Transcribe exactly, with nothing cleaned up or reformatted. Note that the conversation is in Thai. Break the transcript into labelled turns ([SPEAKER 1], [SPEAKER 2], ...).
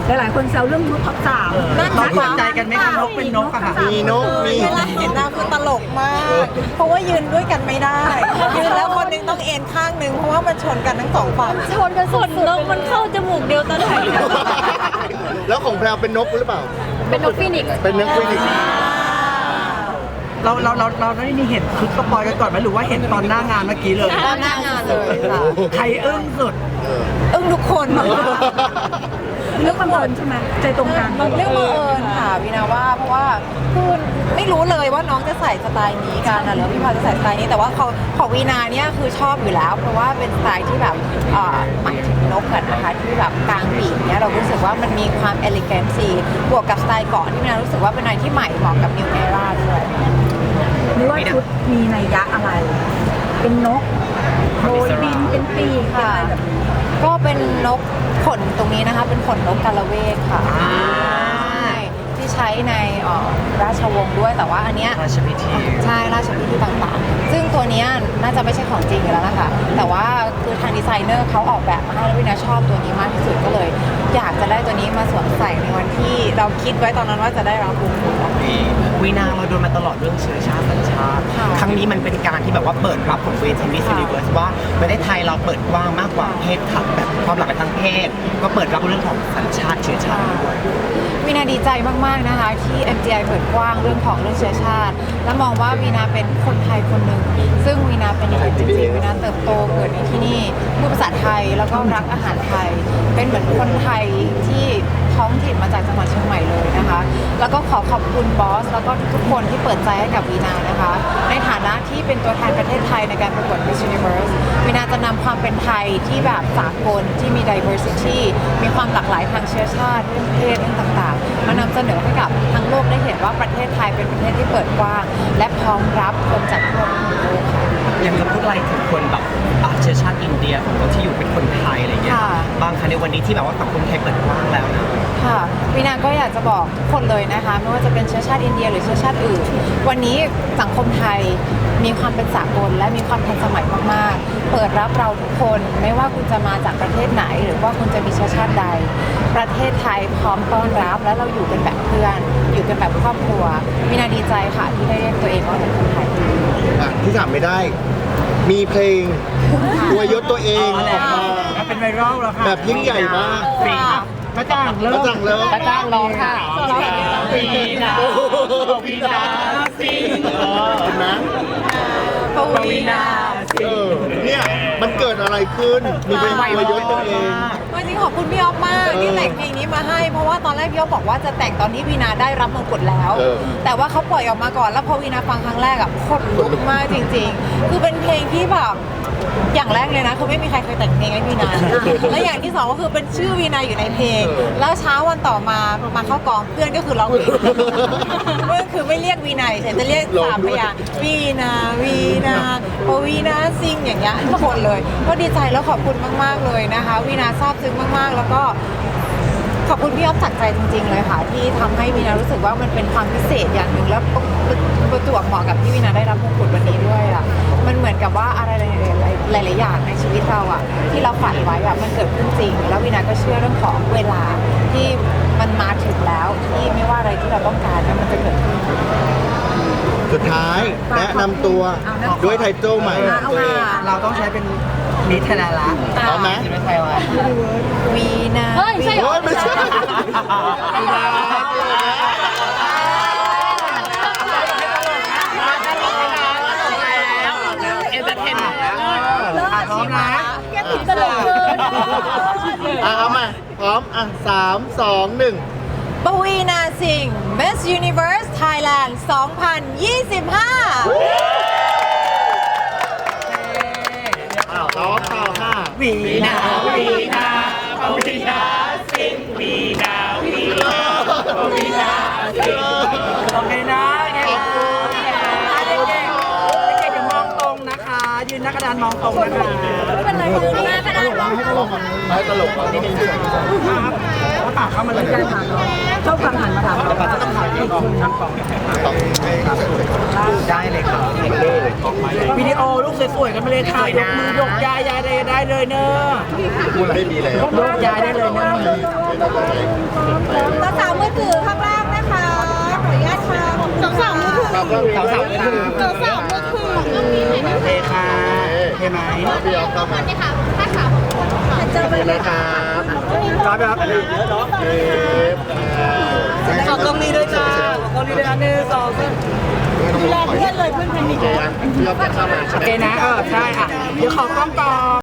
[SPEAKER 1] หลายๆคนแซวเรื่องยุทธท็อปสาม
[SPEAKER 2] นั่นเราเข้าใจกันไหมคะนกเป็นนกอะค่ะ
[SPEAKER 3] มีนกมี
[SPEAKER 4] เวลาเห็นนางคือตลกมาก เพราะว่ายืนด้วยกันไม่ได้ ยืนแล้วคนหนึงต้องเอ็นข้างหนึงเพราะว่ามันชนกันทั้งสองฝั่ง
[SPEAKER 5] ชนกันสุดนกมันเข้าจมูกเดียวตอนไหน
[SPEAKER 3] แล้วของแพรวเป็นนกหรือเปล่า
[SPEAKER 5] เป็นนกฟินิกซ์
[SPEAKER 3] เป็นนกฟินิกส์
[SPEAKER 2] เราเราเราเราได้เห็นชุดสปอยกันก่อนไหมหรือว่าเห็นตอนหน้างานเมื่อกี้เลย
[SPEAKER 4] ด้านหน้างานเลยค่ะ
[SPEAKER 2] ใครอึ้งสุด
[SPEAKER 4] อึ้งทุกคน
[SPEAKER 1] เรื่องบังเอิญใช่ไหมใจตรงกัน
[SPEAKER 4] เรื่องบังเอิญค่ะวินาว่าเพราะว่าคือไม่รู้เลยว่าน้องจะใส่สไตล์นี้กันนะหรือพี่พาจะใส่สไตล์นี้แต่ว่าเขาของวีนาเนี่ยคือชอบอยู่แล้ว เพราะว่าเป็นสไตล์ที่แบบเอ่อหมายถึงนกกันนะคะที่แบบกลางปีกเนี่ยเรารู้สึกว่ามันมีความเอลิแกนซีบวกกับสไตล์ก่อนที่วีนารู้สึกว่าเป็นอะไรที่ใหม่เหมาะกับนิวเอราด้วย
[SPEAKER 1] หรือว่าชุดมีนัยยะอะไร เป็นนกโบยบินเป็นปีกเป็นอะไรแบบนี้
[SPEAKER 4] ก็เป็นนกขนตรงนี้นะคะ เป็นขนนกกาละเวกค่ะใช่ที่ใช้ในเอ่อราชวงศ์ด้วยแต่ว่าอันเนี้ย
[SPEAKER 2] ราชพิธี
[SPEAKER 4] ใช่ราชพิธีต่างๆ ซึ่งตัวเนี้ยน่าจะไม่ใช่ของจริงอยู่แล้วนะคะแต่ว่าคือทางดีไซเนอร์เขาออกแบบมาให้แล้ววินาชอบตัวนี้มากที่สุดก็เลย อยากจะได้ตัวนี้มาสวมใส่ในวันที่เราคิดไว้ตอนนั้นว่าจะได้รับบุญคุณ
[SPEAKER 6] วีนาเราโดนมาตลอดเรื่องเชื้อชาติสัญชาติ
[SPEAKER 4] ค่ะ
[SPEAKER 6] ครั้งนี้มันเป็นการที่แบบว่าเปิดรับของเวทีมิสซิลิเวิร์สว่าประเทศไทยเราเปิดกว้างมากกว่าเพศขับแบบความหลากหลายทางเพศ ก็เปิดรับเรื่องของสัญชาติเชื้อชาติด้วย
[SPEAKER 4] วีนาดีใจมากๆนะคะที่ เอ็ม จี ไอ เปิดกว้างเรื่องของเรื่องเชื้อชาติ และมองว่าวีนาเป็นคนไทยคนหนึ่งซึ่งวีนาเป็นอย่างนั้นจริงๆวีนาเติบโตเกิดในที่นี่พูดภาษาไทยแล้วก็รักอาหารไทย เป็นเหมือนคนไทยที่ท้องถิ่นมาจากจังหวัดเชียงใหม่เลยนะคะ แล้วก็ขอขอบคุณบอสแล้วก็ทุกๆคนที่เปิดใจให้กับวีนานะคะ ในฐานะที่เป็นตัวแทนประเทศไทยในการประกวด Miss Universe วีนาจะนำความเป็นไทยที่แบบสากลที่มี diversity มีความหลากหลายทางเชื้อชาติเรื่องเพศเรื่องต่างๆ มานำเสนอให้กับทั้งโลกได้เห็นว่าประเทศไทยเป็นประเทศที่เปิดกว้าง และพร้อมรับคนจากทั่วทุกมุมโลกค่ะ
[SPEAKER 6] อยากจะพูดอะไรถึงคนแบบอ่ะเชื้อชาติอินเดียของเราที่อยู่เป็นคนไทยอะไรเงี้ย
[SPEAKER 4] ค่ะ
[SPEAKER 6] บางครั้งในวันนี้ที่แบบว่าสังคมไทยเปิดกว้างแล้วนะ
[SPEAKER 4] ค่ะวีนาก็อยากจะบอกทุกคนเลยนะคะไม่ว่าจะเป็นเชื้อชาติอินเดียหรือเชื้อชาติอื่น วันนี้สังคมไทยมีความเป็นสากลและมีความทันสมัยมากๆ เปิดรับเราทุกคนไม่ว่าคุณจะมาจากประเทศไหน หรือว่าคุณจะมีเชื้อชาติใด ประเทศไทยพร้อมต้อนรับและเราอยู่กันแบบเพื่อน อยู่กันแบบครอบครัววีนาดีใจค่ะที่ได้เรียกตัวเองว่าเป็นคนไทย
[SPEAKER 3] อ่ะที่ถามไม่ได้ มีเพลงตัวยศตัวเองออกมา
[SPEAKER 2] เป็นไวรัลแล้วค่ะ
[SPEAKER 3] แบบยิ่งใหญ่มาก
[SPEAKER 2] ฟรีค่ะพระจ้างเลิ
[SPEAKER 3] ก็
[SPEAKER 2] ก
[SPEAKER 3] สั่งเลย
[SPEAKER 4] พระจ้างร้องค่ะ
[SPEAKER 2] วีนาวีนาสิง
[SPEAKER 3] เห็นไหม
[SPEAKER 4] ปวีนา
[SPEAKER 3] เออเนี่ยมันเกิดอะไรขึ้น มีเพลงตัวยศตัวเอง
[SPEAKER 4] วันนี้ขอบคุณพี่อ๊อฟมากที่แต่งเพลงนี้มาให้เพราะว่าตอนแรกพี่อ๊อฟบอกว่าจะแต่งตอนที่วีนาได้รับมงกุฎแล้ว
[SPEAKER 3] เออ
[SPEAKER 4] แต่ว่าเขาปล่อยออกมาก่อนแล้วพอวีนาฟังครั้งแรกอะขนลุกมากจริง ๆ คือเป็นเพลงที่แบบอย่างแรกเลยนะคือไม่มีใครเคยแต่งเพลงให้วีนา และอย่างที่สองก็คือเป็นชื่อวีนาอยู่ในเพลง แล้วเช้าวันต่อมามาเข้ากองเพื่อนก็คือร้องเพลงเพื่อนคือไม่เรียกวีนาฉันจะเรียกสามพยางค์วีนาวีนาปวีนาซิงอย่างเงี้ยทุกคนเลย ก็ดีใจแล้วขอบคุณมากๆเลยนะคะวีนาซาบซึ้งมากๆ แล้วก็ขอบคุณพี่อ๊อฟจากใจจริง ๆ เลยค่ะ ที่ทำให้วีนารู้สึกว่ามันเป็นความพิเศษอย่างหนึ่งแล้วประจวบเหมาะกับที่วีนาได้รับมงกุฎวันนี้ด้วยอ่ะมันเหมือนกับว่าอะไรหลายๆอย่างในชีวิตเราอ่ะที่เราฝันไว้อ่ะมันเกิดขึ้นจริง แล้ววีนาก็เชื่อเรื่องของเวลาที่มันมาถึงแล้วที่ไม่ว่าอะไรที่เราต้องการเนี่ยมันจะเกิดขึ้น
[SPEAKER 3] สุดท้ายแนะนำตัวด้วยไทเทิลใหม่ของตัวเอง
[SPEAKER 2] เราต้องใช้เป็นนิทานละ
[SPEAKER 3] พร้อมไหม
[SPEAKER 6] ไม่ใช่ว่า
[SPEAKER 4] วีนา
[SPEAKER 5] เฮ้ยใช่เหร
[SPEAKER 3] โอ้
[SPEAKER 5] อย
[SPEAKER 3] ไม่ใช่
[SPEAKER 6] เอ็นเตอร์เทน
[SPEAKER 2] พร้อมนะ
[SPEAKER 5] แกติดตลกเกิน
[SPEAKER 3] อ่ะเอามาพร้อมอ่ะสามสองหนึ่ง
[SPEAKER 4] ปวีนาสิงห์ Miss Universe Thailand สองพันยี่สิบห้า
[SPEAKER 3] อ้าวร้องต่อค่ะ
[SPEAKER 2] วีนาวีนาวีนา
[SPEAKER 3] วีนา
[SPEAKER 2] โอเคนะโอเคนะเด็กๆเด็กๆอย่ามองตรงนะคะ ยืนหน้ากระดานมองตรงนะคะ
[SPEAKER 5] ไม่เป็นไรเลยนะกระดาษ
[SPEAKER 3] ให้ตลกอ่ะ
[SPEAKER 2] ครับแล้วปากเข้ามาเลย
[SPEAKER 1] ชอบฟังหันมาถาม
[SPEAKER 6] แต่ปัจจุบันต้องถ่ายเองกองช่างกองได้เลยครับเลย
[SPEAKER 2] วิดีโอลูกสวยๆกันมาเลยค่ะยกมือยกยายยายได้ได้เลยเนอะ
[SPEAKER 3] พูดอะไรมีแล้ว
[SPEAKER 2] ยกยายได้เลยเนอะ
[SPEAKER 1] ภาษามือถือข้างล่างนะคะ ขออนุญาตค่ะสองสามมือถือ
[SPEAKER 3] ครับสาวสาว
[SPEAKER 1] สองสามมือถือ
[SPEAKER 2] โอเคค่ะโอเคไหม
[SPEAKER 3] พี่ออฟครับ
[SPEAKER 1] เจอไปเลยค่ะ
[SPEAKER 2] รับครับเยอะเนาะขอกล้องนี้ด้วยจ้าขอกล้องนี้ด้วยนะหนึ่งสองสาม
[SPEAKER 1] แรกเพื่อนเลยเพื่อนแพนิค
[SPEAKER 3] พี่ออฟเข้ามาใช่
[SPEAKER 2] โอ
[SPEAKER 3] ไหม
[SPEAKER 2] เคนะเออใช่อ่ะเดี๋ยวขอกล้องก่อน